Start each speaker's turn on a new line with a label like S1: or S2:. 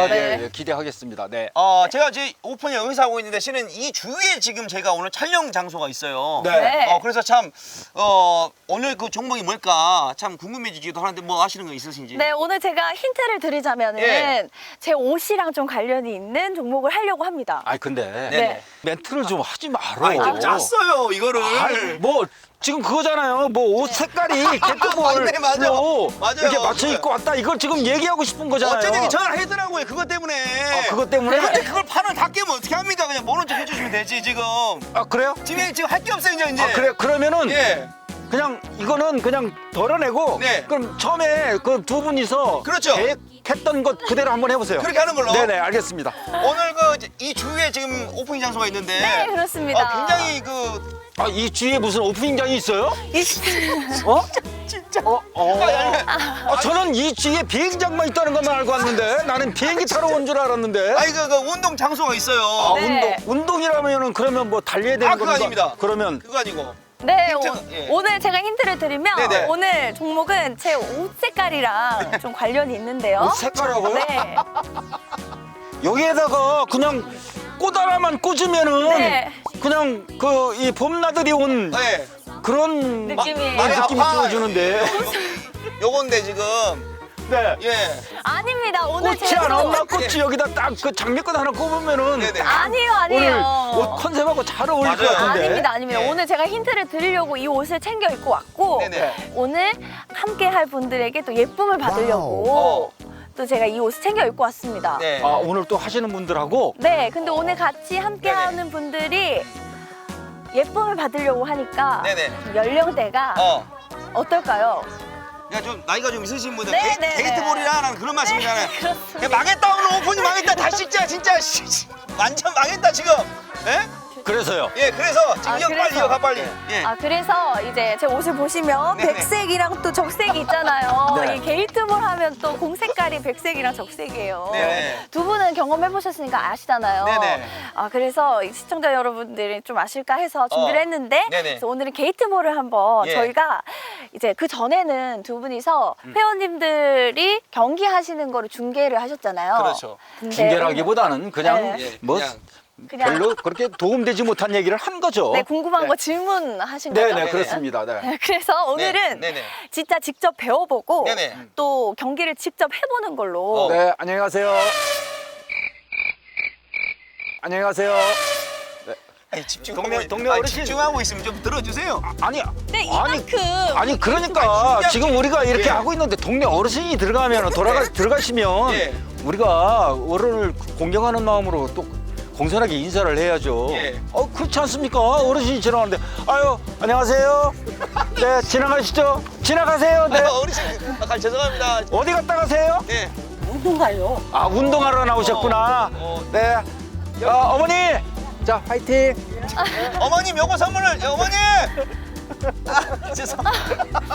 S1: 아,
S2: 네.
S1: 네. 기대하겠습니다. 네.
S3: 제가 이제 오픈을 여기서 하고 있는데 실은 이 주위에 지금 제가 오늘 촬영 장소가 있어요.
S2: 네.
S3: 그래서 참 오늘 그 종목이 뭘까 참 궁금해지기도 하는데 뭐 아시는 거 있으신지?
S2: 네, 오늘 제가 힌트를 드리자면은
S3: 예.
S2: 제 옷이랑 좀 관련이 있는 종목을 하려고 합니다.
S1: 아, 근데
S2: 네.
S1: 멘트를 좀 하지 말어.
S3: 좀 짰어요 이거를.
S1: 아이, 뭐 지금 그거잖아요. 뭐 옷 색깔이 개뚜볼
S3: 맞네, 맞아요. 맞아요.
S1: 이렇게 맞춰 입고 왔다. 이걸 지금 얘기하고 싶은 거잖아요.
S3: 어쨌든 전화하더라고요 그것 때문에.
S1: 그것 때문에?
S3: 근데 그걸 판을 다 깨면 어떻게 합니까? 그냥 모른 척 해주시면 되지 지금.
S1: 아, 그래요?
S3: 지금 할 게 없어요 이제.
S1: 아, 그래. 그러면은
S3: 예.
S1: 그냥 이거는 그냥 덜어내고
S3: 네.
S1: 그럼 처음에 그 두 분이서
S3: 그렇죠.
S1: 계획했던 것 그대로 한번 해보세요.
S3: 그렇게 하는 걸로.
S1: 네네, 알겠습니다.
S3: 오늘 이 주위에 지금 오프닝 장소가 있는데.
S2: 네, 그렇습니다.
S3: 굉장히
S1: 이 주위에 무슨 오프닝장이 있어요?
S2: 이-
S1: 어?
S3: 진짜.
S1: 저는 이 주위에 비행장만 있다는 것만 알고 왔는데 나는 비행기 타러 온 줄 알았는데.
S3: 아니 그 운동 장소가 있어요.
S2: 네.
S1: 운동이라면은 그러면 뭐 달려야 되는
S3: 그거
S1: 건가?
S3: 아닙니다.
S1: 그러면
S3: 그거 아니고.
S2: 네,
S3: 예.
S2: 오늘 제가 힌트를 드리면
S3: 네네.
S2: 오늘 종목은 제 옷 색깔이랑 좀 관련이 있는데요.
S1: 옷 색깔하고요?
S2: 네.
S1: 여기에다가 그냥 꽃 하나만 꽂으면은
S2: 네.
S1: 그냥 그 이 봄나들이 온
S3: 네.
S1: 그런
S2: 느낌이.
S1: 느낌이 들어주는데.
S3: 요건데 지금.
S1: 네.
S3: 예.
S2: 아닙니다. 오늘
S1: 꽃이
S2: 제
S1: 안
S2: 옷-
S1: 왔나? 꽃이 여기다 딱 그 장미꽃 하나 꼽으면은
S3: 네네.
S2: 아니에요,
S1: 오늘
S2: 아니에요.
S1: 옷 컨셉하고 잘 어울릴 것
S3: 맞아요.
S1: 같은데.
S2: 아닙니다, 아닙니다.
S3: 예.
S2: 오늘 제가 힌트를 드리려고 이 옷을 챙겨 입고 왔고
S3: 네네.
S2: 오늘 함께 할 분들에게 또 예쁨을 받으려고 또 제가 이 옷을 챙겨 입고 왔습니다.
S3: 네.
S1: 아, 오늘 또 하시는 분들하고
S2: 네, 근데 오늘 같이 함께
S3: 네네.
S2: 하는 분들이 예쁨을 받으려고 하니까
S3: 네네.
S2: 연령대가 어떨까요?
S3: 그러니까 좀 나이가 좀 있으신 분들
S2: 네, 네,
S3: 게이트볼이라는 그런 말씀이잖아요.
S2: 그렇습니다.
S3: 야, 망했다 오늘 오픈이 망했다 다시 찍자 진짜 완전 망했다 지금. 예?
S1: 그래서요.
S3: 예 그래서 지금 이거
S2: 그래서.
S3: 빨리 이어가 빨리. 예.
S2: 그래서 이제 제 옷을 보시면
S3: 네네.
S2: 백색이랑 또 적색이 있잖아요.
S1: 네.
S2: 이 게이트볼 하면 또 공 색깔이 백색이랑 적색이에요.
S3: 네네.
S2: 두 분은 경험해 보셨으니까 아시잖아요.
S3: 네네.
S2: 그래서 이 시청자 여러분들이 좀 아실까 해서 준비를 했는데
S3: 네네.
S2: 그래서 오늘은 게이트볼을 한번
S3: 예.
S2: 저희가 이제 그 전에는 두 분이서 회원님들이 경기하시는 거를 중계를 하셨잖아요.
S3: 그렇죠.
S2: 근데
S1: 중계라기보다는 그냥
S2: 네.
S1: 뭐
S2: 그냥
S1: 별로 그렇게 도움되지 못한 얘기를 한 거죠.
S2: 네, 궁금한
S3: 네.
S2: 거 질문하신 거죠?
S1: 네네, 그렇습니다. 네.
S2: 그래서 오늘은
S3: 네네.
S2: 진짜 직접 배워보고
S3: 네네.
S2: 또 경기를 직접 해보는 걸로
S1: 네, 안녕히 가세요. 안녕히 가세요.
S3: 아니,
S1: 동네 어르신.
S3: 집중하고 있으면 좀 들어주세요.
S1: 아니,
S2: 네,
S1: 아니,
S2: 이만큼
S1: 아니 그러니까
S3: 진짜.
S1: 지금 우리가 이렇게
S3: 예.
S1: 하고 있는데 동네 어르신이 들어가면 들어가시면
S3: 예.
S1: 우리가 어른을 공경하는 마음으로 또 공손하게 인사를 해야죠.
S3: 예.
S1: 그렇지 않습니까? 어르신이 지나가는데 아유 안녕하세요. 네 지나가시죠. 지나가세요. 네
S3: 어르신 죄송합니다.
S1: 어디 갔다 가세요?
S3: 예.
S4: 운동 가요.
S1: 아 운동하러 나오셨구나. 네. 어머니 자 화이팅.
S3: 어머님 요거 선물을 어머님. 죄송.